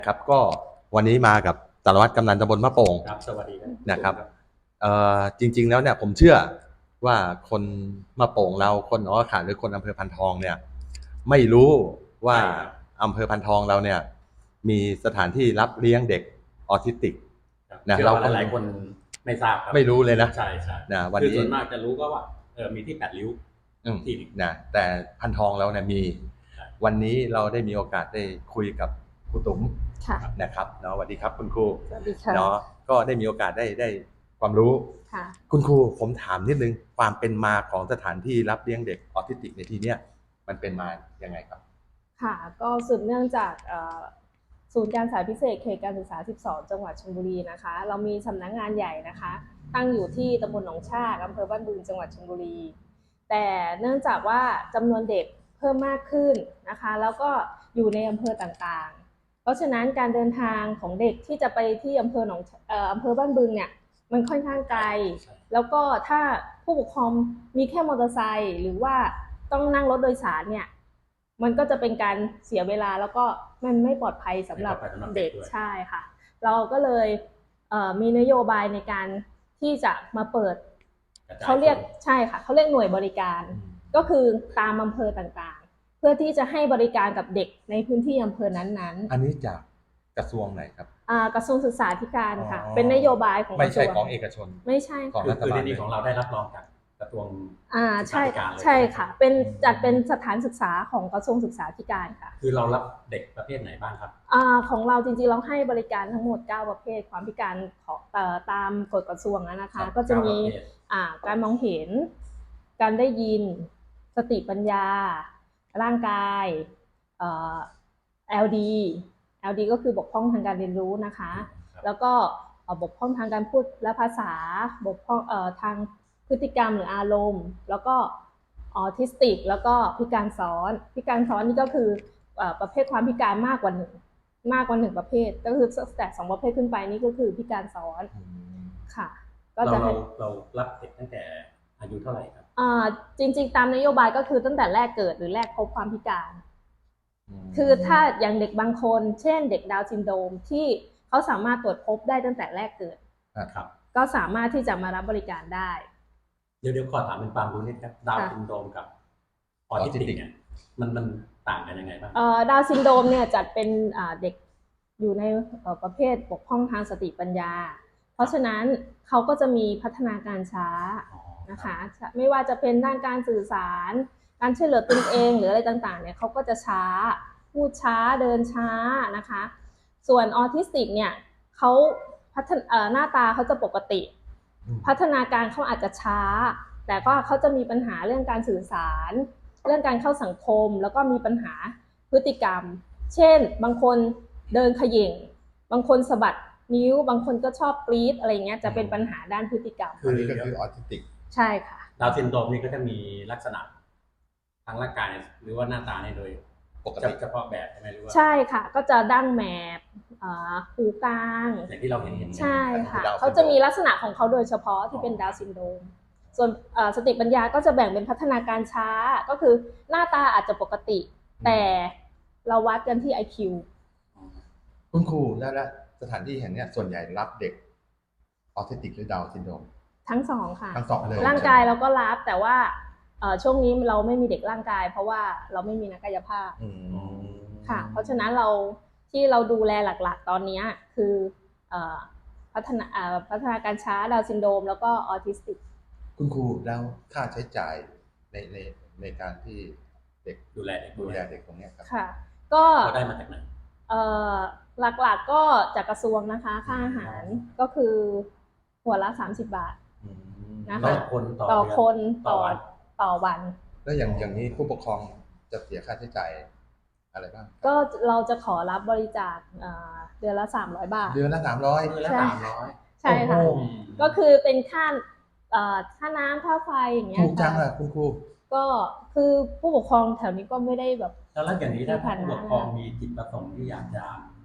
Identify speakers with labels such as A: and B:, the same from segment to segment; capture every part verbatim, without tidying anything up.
A: ครับก็วันนี้มากับสารวัตรกำนันตำบลมะโป่ง
B: ครับสวัสดีครับ
A: นะครับเอ่อจริงๆแล้วเนี่ยผมเชื่อว่าคนมะโป่งเราคนหนองขาหรือคนอำเภอพันทองเนี่ยไม่รู้ว่าอำเภอพันทองเราเนี่ยมีสถานที่รับเลี้ยงเด็กออทิสติก
B: นะเราหลายคนไม่ทราบครับ
A: ไม่รู้เลยนะ
B: ใช่ใช่
A: นะวันนี้
B: ส่วนมากจะรู้ก็ว่าเออมีที่แปดริ้วที่นึง
A: นะแต่พันทองเราเนี่ยมีวันนี้เราได้มีโอกาสได้คุยกับครูตุ๋มนะครับเนาะสวัสดีครับคุณครู
C: สวัสดีค่ะ
A: เนาะก็ได้มีโอกาสได้ได้ความรู้
C: ค่ะ
A: คุณครูผมถามนิดนึงความเป็นมาของสถานที่รับเลี้ยงเด็กออทิสติกในที่เนี้ยมันเป็นมายังไงครับ
C: ค่ะก็สืบเนื่องจากศูนย์การศึกษาพิเศษเขตการศึกษาสิบสองจังหวัดชลบุรีนะคะเรามีสำนักงานใหญ่นะคะตั้งอยู่ที่ตำบลหนองชากอำเภอบ้านบึงจังหวัดชลบุรีแต่เนื่องจากว่าจำนวนเด็กเพิ่มมากขึ้นนะคะแล้วก็อยู่ในอำเภอต่างๆเพราะฉะนั้นการเดินทางของเด็กที่จะไปที่อำเภอหนองเอ่ออำเภอบ้านบึงเนี่ยมันค่อนข้างไกลแล้วก็ถ้าผู้ปกครองมีแค่มอเตอร์ไซค์หรือว่าต้องนั่งรถโดยสารเนี่ยมันก็จะเป็นการเสียเวลาแล้วก็มันไม่ปลอดภัยสำหรับเด็กใช่ค่ะเราก็เลยเอ่อมีนโยบายในการที่จะมาเปิดเขาเรียกใช่ค่ะเขาเรียกหน่วยบริการก็คือตามอำเภอต่างๆเพื่อที่จะให้บริการกับเด็กในพื้นที่อำเภอนั้น
A: ๆอันนี้จากกระทรวงไหนครับ
C: กระทรวงศึกษาธิการค่ะเป็นนโยบายของ
A: ไม่ใช่ของเอกชน
C: ไม่ใช่
A: ของรัฐบาล
B: คือของเราได้รับรองจากกระทรวง
C: อ่าใช่ใช่ค่ะเป็นจัดเป็นสถานศึกษาของกระทรวงศึกษาธิการค่ะ
B: คือเรารับเด็กประเภทไหนบ้างครับ
C: อ่าของเราจริงๆเราให้บริการทั้งหมดเก้าประเภทความพิการของเอ่อตามกฎกระทรวงนะคะก็จะมีอ่าการมองเห็นการได้ยินสติปัญญาร่างกายเอ่อ แอล ดี แอล ดี ก็คือบกพร่องทางการเรียนรู้นะคะแล้วก็บกพร่องทางการพูดและภาษาบกพร่องเอ่อทางพฤติกรรมหรืออารมณ์แล้วก็ออทิสติกแล้วก็พิการซ้อนพิการซ้อนนี่ก็คือประเภทความพิการมากกว่าหนึ่งมากกว่าหนึ่งประเภทก็คือแต่สองประเภทขึ้นไปนี่ก็คือพิการซ้อนค่ะ
B: ก็จะเราเรารับเด็กตั้งแต่อายุเท่าไหร่ครับ
C: อ่าจริงๆตามนโยบายก็คือตั้งแต่แรกเกิดหรือแรกพบความพิการคือถ้าอย่างเด็กบางคนเช่นเด็กดาวน์ซินโดรมที่เขาสามารถตรวจพบได้ตั้งแต่แรกเกิด
B: ครับ
C: ก็สามารถที่จะมารับบริการได้
B: เดี๋ยวเดี๋ยวขอถามเป็นความรู้นิดครับดาวน์ซินโดรมกับออทิสติกเนี่ยมันมันต่างกันยังไงบ้าง
C: เอ่อดาวน์ซินโดรมเนี่ยจัดเป็นเด็กอยู่ในประเภทบกพร่องทางสติปัญญาเพราะฉะนั้นเขาก็จะมีพัฒนาการช้านะคะไม่ว่าจะเป็นด้านการสื่อสารการช่วยเหลือตนเองหรืออะไรต่างๆเนี่ยเขาก็จะช้าพูดช้าเดินช้านะคะส่วนออทิสติกเนี่ยเขาพัฒนาหน้าตาเขาจะปกติพัฒนาการเขาอาจจะช้าแต่ก็เขาจะมีปัญหาเรื่องการสื่อสารเรื่องการเข้าสังคมแล้วก็มีปัญหาพฤติกรรมเช่นบางคนเดินเขย่งบางคนสะบัดนิ้วบางคนก็ชอบกรี๊ดอะไรเงี้ยจะเป็นปัญหาด้านพฤติกรรม
A: อันนี้ก็คือออทิสติก
C: ใช่ค่ะ
B: ดาวน์ซินโดรมนี่ก็จะมีลักษณะทางร่างกายหรือว่าหน้าตาเนี่ยโดยปกติเฉพาะแบบใช่ไหมหรือว่า
C: ใช่ค่ะก็จะดั้งแมบหูกลาง
B: อย่างที่เราเห็นเห็น
C: ใช่ค่ะเขาจะมีลักษณะของเขาโดยเฉพาะที่เป็นดาวน์ซินโดรมส่วนสติปัญญาก็จะแบ่งเป็นพัฒนาการช้าก็คือหน้าตาอาจจะปกติแต่เราวัดกันที่ ไอ คิว
A: คุณครูแล้วสถานที่แห่งนี้ส่วนใหญ่รับเด็กออทิสติกหรือดาวน์ซินโดรม
C: ทั้งสองค่ะ
A: ทั้งสองเลย
C: ร่างกายเราก็รับแต่ว่าช่วงนี้เราไม่มีเด็กร่างกายเพราะว่าเราไม่มีนักกายภาพค่ะเพราะฉะนั้นเราที่เราดูแลหลักๆตอนนี้คือพัฒนาพัฒนาการช้าดาวน์ซินโดรมแล้วก็ออทิสติก
A: คุณครูแล้วค่าใช้จ่ายในในในการที่เด็ก
B: ดูแลเด็ก
A: ดูแลเด็กตรงนี้ครับ
C: ค่ะก็
B: ได้มาจากไหน
C: หลักๆก็จากกระทรวงนะคะค่าอาหารก็คือหัวละสามสิบบาทนะคะ
B: ต่อคน
C: ต่อคนต่อต่อวัน
A: แล้วอย่างอย่างนี้ผู้ปกครองจะเสียค่าใช้จ่ายอะไรบ้าง
C: ก็เราจะขอรับบริจาคเดือนละสามร้อยบาท
A: เดือนละสามร้อย
B: เดือนละสามร้อย
C: ใช่ค่ะก็คือเป็นค่าค่าน้ำค่าไฟอย่างเงี้ย
A: ถูกจังอะคุณครู
C: ก็คือผู้ปกครองแถวนี้ก็ไม่ได้แบบ
B: แล้วอย่างนี้ถ้าผู้ปกครองมีจิตประสงค์ที่อยากจะ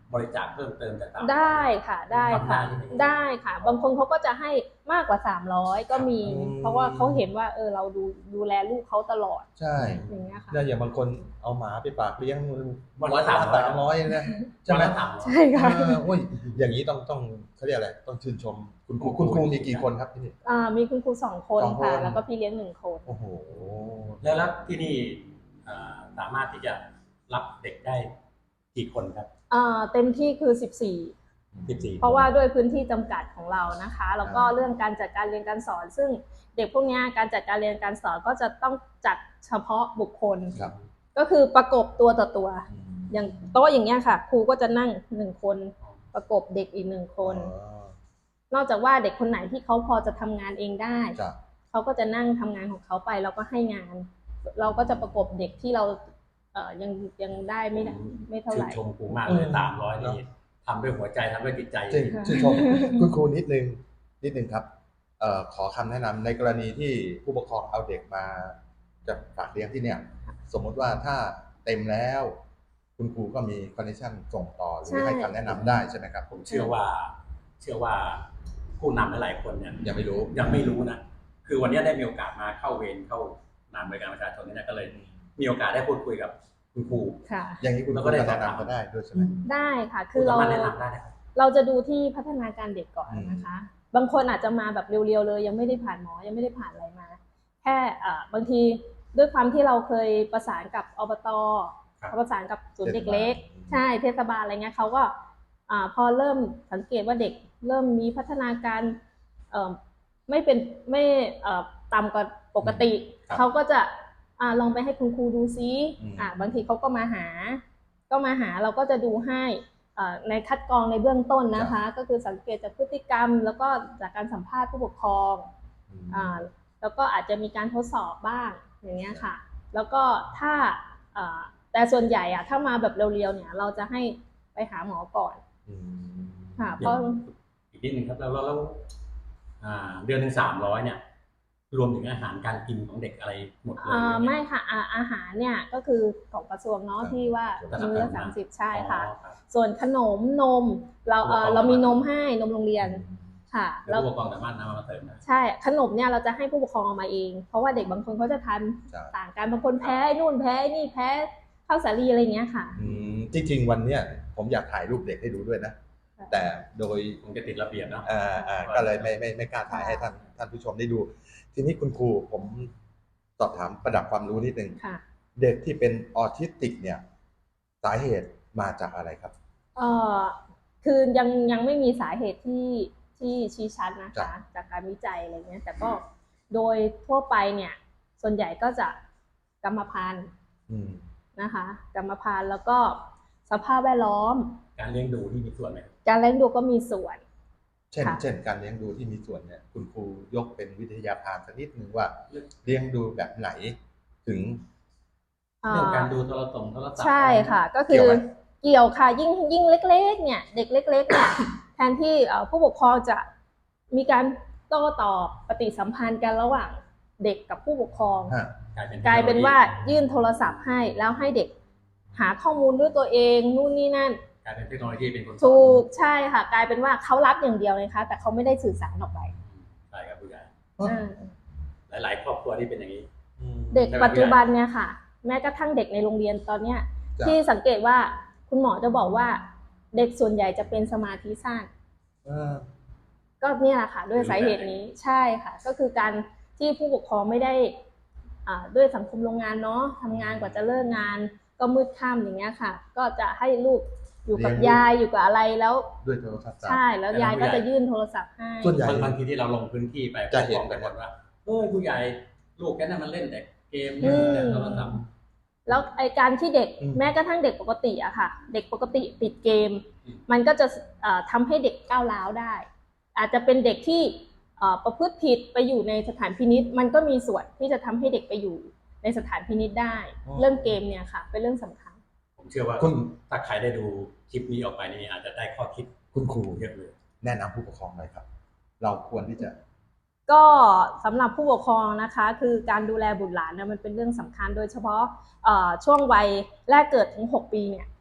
B: บริจาคเพิ่มเติมจากต่าง
C: ได้ค่ะได้ค่ะ
B: ทำได้ใช่ไหม
C: ได้ค่ะ บางคนเขาก็จะให้มากกว่าสามร้อยก็มี
A: อืม
C: เพราะว่าเขาเห็นว่าเออเราดูดูแลลูกเขาตลอด
A: ใช่
C: อย่างเงี้ยค่ะ
A: แล้วอย่างบางคนเอาหมาไปฝากเลี้ยง
B: วันละสามร้อย
A: สามร้อยนะใช่ไหม
B: วันละสามร้อย
C: ใช่ค่ะ
A: เออโอ้ยอย่างนี้ต้องต้องเขาเรียกอะไรต้องชื่นชมคุณครูคุณครูมีกี่คนครับที่นี่
C: อ่ามีคุณครูสองคน
A: สองคน
C: ค่ะ แล้วก็พี่เลี้ยงหนึ่งคน
A: โอ้โห
B: แล้วแล้วที่นี่อ่าสามารถที่จะรับเด็กได้กี่คนครับ
C: อ่าเต็มที่คือสิบสี่
B: สิบสี่
C: เพราะว่าด้วยพื้นที่จำกัดของเรานะคะ แล้วก็เรื่องการจัดการเรียนการสอน ซึ่งเด็กพวกเนี้ยการจัดการเรียนการสอนก็จะต้องจัดเฉพาะบุคคล
A: ครับ
C: ก็คือประกบตัวต่อตัว
A: อืม
C: อย่างโต๊ะอย่างเงี้ยค่ะ ครูก็จะนั่งหนึ่งคนประกบเด็กอีกหนึ่งคน
A: อ๋อน
C: อกจากว่าเด็กคนไหนที่เขาพอจะทำงานเองได้
A: จ้ะ
C: เขาก็จะนั่งทำงานของเขาไปแล้วก็ให้งาน เราก็จะประกบเด็กที่เราเอ่อยังยังได้ไม่ได้ไม่เท่าไหร่
B: ชื่นชมครูมากเลยสามร้อยนี่ทำด้วยหัวใจทำด้วยจิตใจ
A: จริงชื่นชมคุณครูนิดนึงนิดนึงครับเอ่อขอคำแนะนำในกรณีที่ผู้ปกครองเอาเด็กมาจะฝากเลี้ยงที่เนี่ย สมมุติว่าถ้าเต็มแล้ว คุณครูก็มีคอนเนคชั่นส่งต่อหรือ
C: ใช่
A: ให้คำแนะนำได้ใช่ไหมครับ
B: ผมเชื่อว่า เชื่อว่าผู้นำหลายๆคนเนี่ย
A: ยังไม่รู้
B: ยังไม่รู้นะ คือวันนี้ได้มีโอกาสมาเข้าเวรเข้างานบริการประชาชนนี่นะก็เลยมีโอกาสได้พูดคุยกับคุณครู
C: ค่ะ
A: อย่างนี้คุณครูก็แนะนำก็ได้ด้วยใช่ไหม
C: ได้ค่ะ คือเรา
B: สมถแนะนำได้นะครับ
C: เราจะดูที่พัฒนาการเด็กก่อน
A: อืม
C: นะคะ บางคนอาจจะมาแบบเรียวๆเลย ยังไม่ได้ผ่านหมอ ยังไม่ได้ผ่านอะไรมา แค่อ่าบางทีด้วยความที่เราเคยประสานกับอบต
B: ครับ
C: ประสานกับศูนย์เด็กเล็ก
A: เทศบาล
C: ใช่เทศบาลอะไรเงี้ยเขาก็อ่าพอเริ่มสังเกตว่าเด็กเริ่มมีพัฒนาการเอ่อไม่เป็นไม่เอ่อต่ำกว่าปกติ
A: ครับ
C: เขาก็จะอ่าลองไปให้คุณครูดูซิ
A: อืม
C: อ่าบางทีเขาก็มาหา ก็มาหาเราก็จะดูให้เอ่อในคัดกรองในเบื้องต้นนะคะ ก็คือสังเกตจากพฤติกรรม แล้วก็จากการสัมภาษณ์ผู้ปกครอง
A: อืม
C: อ่าแล้วก็อาจจะมีการทดสอบบ้างอย่างเงี้ยค่ะ แล้วก็ถ้าอ่าแต่ส่วนใหญ่อะถ้ามาแบบเร็วๆเนี่ยเราจะให้ไปหาหมอก่อน
A: อืม
C: ค่ะเพ
B: อย่า
C: ราะ
B: งอีกนิดนึงครับแล้วแล้วแล้วอ่าเดือนหนึ่งสามร้อยเนี่ย รวมถึงอาหารการกินของเด็กอะไรหมดเลย
C: อ่า
B: หรือ
C: ไม่ค่ะอ่าอาหารเนี่ยก็คือของกระทรวงเนาะที่ว่ามื้อละสามสิบใช่ค่ะ
B: อ๋อรับ
C: ส่วนขนมนมเราเอ่อเรามีนมให้นมโรงเรียนค่ะ
B: แล้วผู้ปกครองสามารถนำมาเสริมได้
C: ใช่ขนมเนี่ยเราจะให้ผู้ปกครองเอามาเอง เพราะว่าเด็กบางคนเขาจะทาน
A: ใช่
C: ต่างกันบางคนแพ้ไอ้นู่นแพ้ไอ้นี่แพ้ข้าวสาลีอะไรเงี้ยค่ะ
A: อืมจริงๆวันเนี้ยผมอยากถ่ายรูปเด็กให้ดูด้วยนะ
C: ค่ะ
A: แต่โดย
B: คงจะติดระเบียบเนาะ
A: อ่าอ่าก็เลยไม่ไม่ไม่กล้าถ่ายให้ท่านท่านผู้ชมได้ดู ทีนี้คุณครูผมสอบถามประดับความรู้นิดนึง
C: ค่ะ
A: เด็กที่เป็นออทิสติกเนี่ยสาเหตุมาจากอะไรครับ
C: เอ่อคือยังยังไม่มีสาเหตุที่ที่ชี้ชัดนะ
A: จ้ะ
C: คะ จากการวิจัยอะไรเงี้ยแต่ก็โดยทั่วไปเนี่ยส่วนใหญ่ก็จะกรรมพันธุ์
A: อืม
C: นะคะ กรรมพันธุ์แล้วก็สภาพแวดล้อม
B: การเลี้ยงดูที่มีส่วนไหม
C: การเลี้ยงดูก็มีส่วน
A: เช่น
C: ค่ะ
A: เช่นการเลี้ยงดูที่มีส่วนเนี่ยคุณครูยกเป็นวิทยาทานสักนิดนึงว่าเลี้ยงดูแบบไหนถึง
C: อ่า
B: เรื่องการดูโทรศัพท์โทรศัพท์
C: ใช่ค่ะ ก็คื
A: เกี่
C: อ
A: ยวไหม
C: เกี่ยวค่ะยิ่งยิ่งเล็กๆเนี่ยเด็กเล็กๆเนี่ย แทนที่เอ่อผู้ปกครองจะมีการโต้ตอบปฏิสัมพันธ์กันระหว่างเด็กกับผู้ปกครอง
A: ฮะ
B: กลายเป็น
C: กลายเป็นว่ายื่นโทรศัพท์ให้แล้วให้เด็กหาข้อมูลด้วยตัวเองนู่นนี่นั่น
B: กลายเป็นเทคโนโลยีเป็นคนสอน
C: ถูกใช่ค่ะ กลายเป็นว่าเขารับอย่างเดียวเลยค่ะแต่เขาไม่ได้สื่อสารออกไป
B: ใช่ครับผู้ใหญ่
C: อ่า
B: หลาย ๆ ครอบครัวที่เป็นอย่างนี้
A: อืม
C: เด็กปัจจุบันเนี่ยค่ะ แม้กระทั่งเด็กในโรงเรียนตอนเนี้ย
A: จ้ะ
C: ที่สังเกตว่าคุณหมอจะบอกว่าเด็กส่วนใหญ่จะเป็นสมาธิสั้น
A: เออ
C: ก็เนี่ยแหละค่ะด้วยสาเหตุนี้ใช่ค่ะ ก็คือการที่ผู้ปกครองไม่ได้อ่าด้วยสังคมโรงงานเนาะทำงานกว่าจะเลิกงาน ก็มืดค่ำอย่างเงี้ยค่ะ ก็จะให้ลูกอยู่กับยายอยู่กับอะไรแล้ว
A: ด้วยโทรศัพท์
C: ใช่แล้วยายก็จะยื่นโทรศัพท์ให้
A: ส่วนใหญ่
B: บางบางทีที่เราลงพื้นที่ไป
A: จะเห็น
B: ผู้ปกครองกันหมดว่าเอ้ยผู้ใหญ่ลูกแกนั่นมันเล่นแต่เกม
C: อืม
B: แต่โทรศัพท์
C: แล้วไอการที่เด็ก
A: อืม
C: แม้กระทั่งเด็กปกติอะค่ะ เด็กปกติติดเกม
B: อืม
C: มันก็จะเอ่อทำให้เด็กก้าวร้าวได้ อาจจะเป็นเด็กที่เอ่อประพฤติผิดไปอยู่ในสถานพินิจมันก็มีส่วนที่จะทำให้เด็กไปอยู่ในสถานพินิจได้
A: อ๋อ
C: เรื่องเกมเนี่ยค่ะ เป็นเรื่องสำคัญ
B: ผมเชื่อว่า
A: คุณ
B: ถ้าใครได้ดูคลิปนี้ออกไปนี่อาจจะได้ข้อคิด
A: คุณครู
B: เยอะเลย
A: แนะนำผู้ปกครองหน่อยครับ เราควรที่จะ
C: ก็สำหรับผู้ปกครองนะคะ คือการดูแลบุตรหลานเนี่ยมันเป็นเรื่องสำคัญโดยเฉพาะเอ่อช่วงวัยแรกเกิดถึงหกปีเนี่ย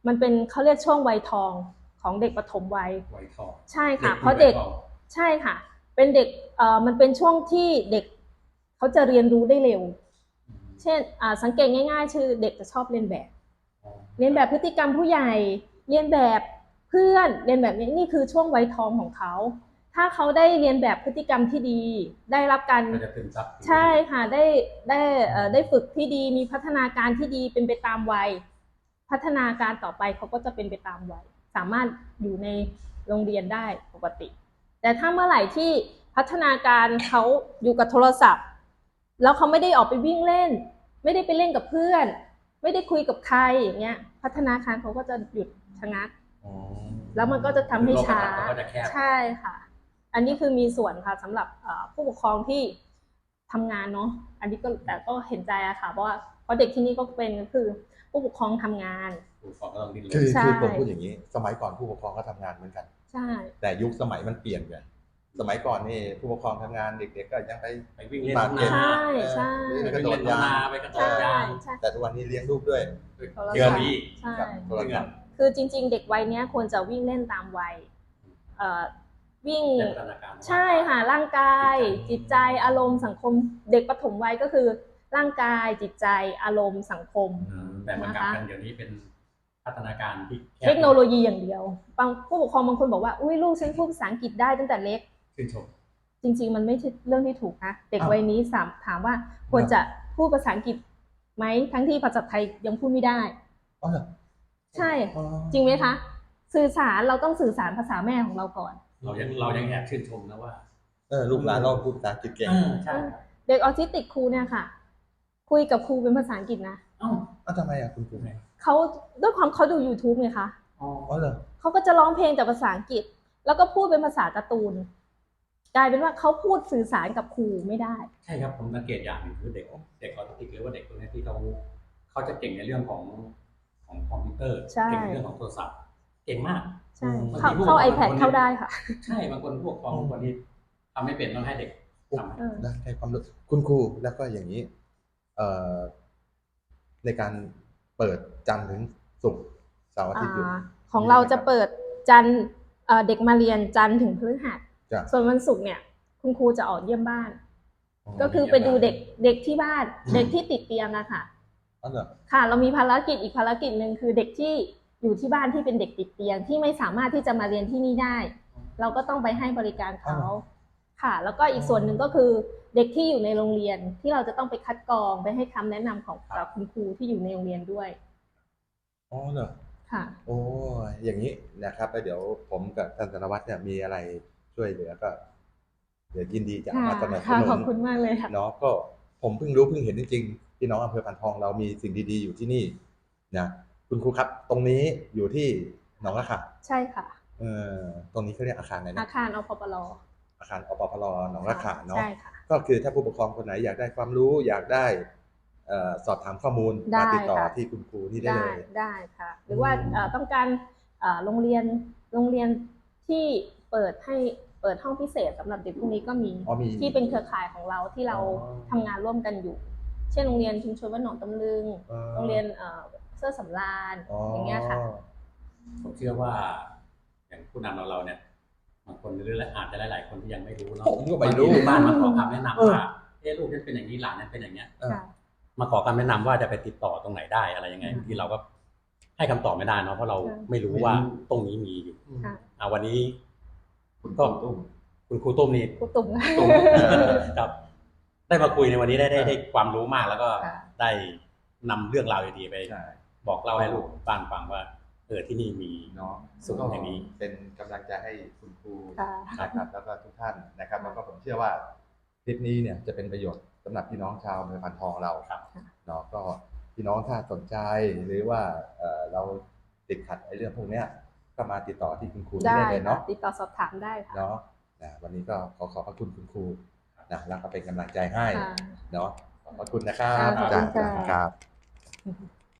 C: มันเป็นเขาเรียกช่วงวัยทองของเด็กปฐมวัย
B: ไวทอง
C: ใช่ค่ะ
B: มี
C: เพราะเด็ก
B: ไวทอง
C: ใช่ค่ะ เป็นเด็กเอ่อมันเป็นช่วงที่เด็กเขาจะเรียนรู้ได้เร็ว
B: อืม
C: เช่นอ่าสังเกตง่ายๆคือเด็กจะชอบเรียนแบบ
B: อ๋อ
C: เรียนแบบพฤติกรรมผู้ใหญ่ เรียนแบบเพื่อน เรียนแบบนี้นี่คือช่วงวัยทองของเขา ถ้าเขาได้เรียนแบบพฤติกรรมที่ดี ได้รับการ
B: ก็จะซึมซับ
C: ใช่ค่ะ ได้ได้เอ่อได้ฝึกที่ดี มีพัฒนาการที่ดีเป็นไปตามวัย พัฒนาการต่อไปเขาก็จะเป็นไปตามวัย สามารถอยู่ในโรงเรียนได้ปกติ แต่ถ้าเมื่อไหร่ที่พัฒนาการเขาอยู่กับโทรศัพท์ แล้วเขาไม่ได้ออกไปวิ่งเล่น ไม่ได้ไปเล่นกับเพื่อน ไม่ได้คุยกับใครอย่างเงี้ย พัฒนาการเขาก็จะหยุดชะงัก
A: อ๋อ
C: แล้วมันก็จะทำให้ช้า
B: โลกทัศน์เขาก็จะแคบ
C: ใช่ค่ะ อันนี้คือมีส่วนค่ะสำหรับเอ่อผู้ปกครองที่ทำงานเนาะ อันนี้ก็แต่ก็เห็นใจอะค่ะเพราะว่าเพราะเด็กที่นี่ก็เป็นก็คือผู้ปกครองทำงาน
B: ผู้ปกครองก็ต้องดิ้นร
A: คือน
C: ใช่
A: คือผมพูดอย่างนี้ สมัยก่อนผู้ปกครองก็ทำงานเหมือนกัน
C: ใช่
A: แต่ยุคสมัยมันเปลี่ยนไงสมัยก่อนนี่ผู้ปกครองทำงานเด็กๆก็ยังไป
B: ไปวิ่งเล่น
A: บาด
B: ทุ่ง
A: เจ็บ
B: นา
C: ใช่ใช่
A: เออ
B: ไป
A: กระโด
B: วิ่ง
A: ด
B: เล่นทุ่ง
A: ยาง
B: นาไปกระโด
C: ใช่
B: ดยาง
C: ใช่
A: แต่ทุกวันนี้เลี้ยงลูกด้วย
C: โทรศัพท์
B: เงินอีก
C: ใช่
A: กับโทรศัพท์
C: คือจริงๆ เด็กวัยเนี้ยควรจะวิ่งเล่นตามวัยเอ่อวิ่ง
B: ได้พัฒนาการ
C: ใช่ค่ะร่างกายจิตใจอารมณ์สังคมเด็กปฐมวัยก็คือร่างกายจิตใจอารมณ์สังคม
B: อืมแต่มันกลับกันเดี๋ยวนี้เป็นพัฒนาการที่แคบ
C: เทคโนโลยีอย่างเดียวบางผู้ปกครองบางคนบอกว่าอุ้ยลูกฉันพูดภาษาอังกฤษได้ตั้งแต่เล็ก
B: ชื่นชม
C: จริงๆ มันไม่ใช่เรื่องที่ถูกนะเด็ก
A: อ้าว
C: วัยนี้สามถามว่าควรจะพูดภาษาอังกฤษไหมทั้งที่ภาษาไทยยังพูดไม่ได้
A: อ๋อเหรอ
C: ใช่
A: อ๋อ
C: จริงไหมคะสื่อสารเราต้องสื่อสารภาษาแม่ของเราก่อน
B: เรายังเรายังแอบชื่นชมนะว่า
A: เออลูกหลานเราพูดภาษาอังกฤษเก่ง
B: เออใช่ครับ
C: เด็กออทิสติกครูเนี่ยค่ะ คุยกับครูเป็นภาษาอังกฤษนะ
B: เอ้า
A: อ้าวทำไมอ่ะคุณครู
C: เขาด้วยความเขาดู YouTube ไงคะ
B: อ๋อ
A: อ๋อเหรอ
C: เขาก็จะร้องเพลงแต่ภาษาอังกฤษ แล้วก็พูดเป็นภาษาการ์ตูน กลายเป็นว่าเขาพูดสื่อสารกับครูไม่ได้
B: ใช่ครับผมสังเกตอย่างหนึ่งคือเด็กเด็กออทิสติกหรือว่าเด็กคนนี้ที่เขาเขาจะเก่งในเรื่องของของคอมพิวเตอร์
C: ใช่
B: เก่งในเรื่องของโทรศัพท์เก่งมาก
C: ใช่
B: บางที
C: เข้า
B: ผู้
C: เข้า
B: ปกครอง
C: iPad
B: บางคน
C: เข้าได้ค่ะ
B: ใช่บางคนผู้ปกครองบางคนที่ทำไม่เป็นต้องให้เด็กทำให้
C: เออ
A: ได้ให้ความรู้คุณครูแล้วก็อย่างนี้เอ่อในการเปิดจันทร์ถึงศุกร์เสาร์อาทิตย์หยุด
C: อ่าของเราจะเปิดจันทร์เอ่อเด็กมาเรียนจันทร์ถึงพฤหัส
A: จ้ะ
C: ส่วนวันศุกร์เนี่ย คุณครูจะออกเยี่ยมบ้าน
A: อ๋อ
C: ก็คือไปดูเด็กเด็กที่บ้าน เด็กที่ติดเตียงอะค่ะ
A: อ๋อเหรอ
C: ค่ะ เรามีภารกิจอีกภารกิจหนึ่งคือเด็กที่อยู่ที่บ้านที่เป็นเด็กติดเตียงที่ไม่สามารถที่จะมาเรียนที่นี่ได้ เราก็ต้องไปให้บริการเขาค่ะ แล้วก็อีกส่วนหนึ่งก็คือเด็กที่อยู่ในโรงเรียนที่เราจะต้องไปคัดกรองไปให้คำแนะนำของกับคุณครูที่อยู่ในโรงเรียนด้วย
A: อ๋อเหรอ
C: ค่ะ
A: โอ้ยอย่างนี้นะครับแล้วเดี๋ยวผมกับท่านธนวัฒน์เนี่ยมีอะไรช่วยเหลือก็ เดี๋ยวยินดีจะเอามาสนับส
C: ค่ะ
A: นุ
C: ขอบ
A: น
C: คุณมากเลยค่ะ
A: เนาะก็ผมเพิ่งรู้เพิ่งเห็นจริงๆพี่น้องอำเภอพันทองเรามีสิ่งดีๆอยู่ที่นี่นะคุณครูครับ ตรงนี้อยู่ที่หนองละค่ะ
C: ใช่ค่ะ
A: เอ่อตรงนี้เขาเรียกอาคารอะไร
C: อา
A: นะ
C: คารอพปล
A: อาคารอปพลหนองละค่ะเนาะ
C: ใช่ค่ะ
A: ก็คือถ้าผู้ปกครองคนไหนอยากได้ความรู้อยากได้เอ่อสอบถามข้อมูล
C: ได้
A: มาติดต่อ
C: ค่ะ
A: ที่คุณครูนี่ได้
C: ได้
A: เลย
C: ได้ค่ะ หรือว่า
A: อืม
C: เอ่อต้องการเอ่อโรงเรียนโรงเรียนที่เปิดให้เปิดห้องพิเศษสำหรับเด็กพวกนี้ก็มี
A: อ๋อมี
C: ที่เป็นเครือข่ายของเราที่เรา
A: อ๋อ
C: ทำงานร่วมกันอยู่ เช่นโรงเรียนชุมชนบ้านหนองตำลึง
A: อ๋อ
C: โรงเรียนเอ่อเสื้อสำราญ
A: อ๋อ
C: อ
A: อย่าง
C: เงี้ยค่ะ
B: ผมเชื่อว่า อย่างผู้นำเราเราเนี่ยบางคนหรืออาจจะหลายๆคนที่ยังไม่รู้เนาะ
A: ผมก็ไม่รู้
B: บางทีลูกบ้านมาขอคำแนะนำ
A: เออ
B: ว่าเอ๊ะลูกฉันเป็นอย่างนี้หลานฉันเป็นอย่างเนี้ย
A: เออ
C: ค่ะ
B: มาขอคำแนะนำว่าจะไปติดต่อตรงไหนได้อะไรยังไง
C: อืม
B: ที่เราก็ให้คำตอบไม่ได้เนาะเพราะเรา
C: ค่ะ
B: ไม่รู้ว่าตรงนี้มีอยู่
C: ค่ะ
B: อ่าวันนี้
A: คุณ
B: ก็
A: ตุ้ม
B: คุณครูตุ้มนี่
C: ครูตุ่ม
B: ตุ้ม
A: เออ
B: ครับได้มาคุยในวันนี้ได้ได้ได้ความรู้มากแล้วก็
C: ค่ะ
B: ได้นำเรื่องราวดีๆไป
A: ใช่
B: บอกเล่าให้ลูกบ้านฟังว่าเออที่นี่มี
A: เนาะ
B: สูงอย่างนี้
A: เป็นกำลังใจให้คุณครู
C: ค่ะ
A: นะครับแล้วก็ทุกท่านนะครับแล้วก็ผมเชื่อว่าคลิปนี้เนี่ยจะเป็นประโยชน์สำหรับพี่น้องชาวอำเภอพันทองเรา
B: ครับ
A: เนาะก็พี่น้องถ้าสนใจหรือว่าเอ่อเราติดขัดไอ้เรื่องพวกเนี้ยก็มาติดต่อที่คุณครูที่
C: ได้
A: ได้เลย
C: ค่ะ
A: เนาะ
C: ติดต่อสอบถามได้ค่ะ
A: เนาะนะวันนี้ก็ขอขอบพระคุณคุณครูนะแล้วก็เป็นกำลังใจให้
C: ค่ะ
A: เนาะขอบพระคุณนะครับ
C: ค่ะขอบคุณ
A: จ้ะ
C: ค่ะ
A: ครับ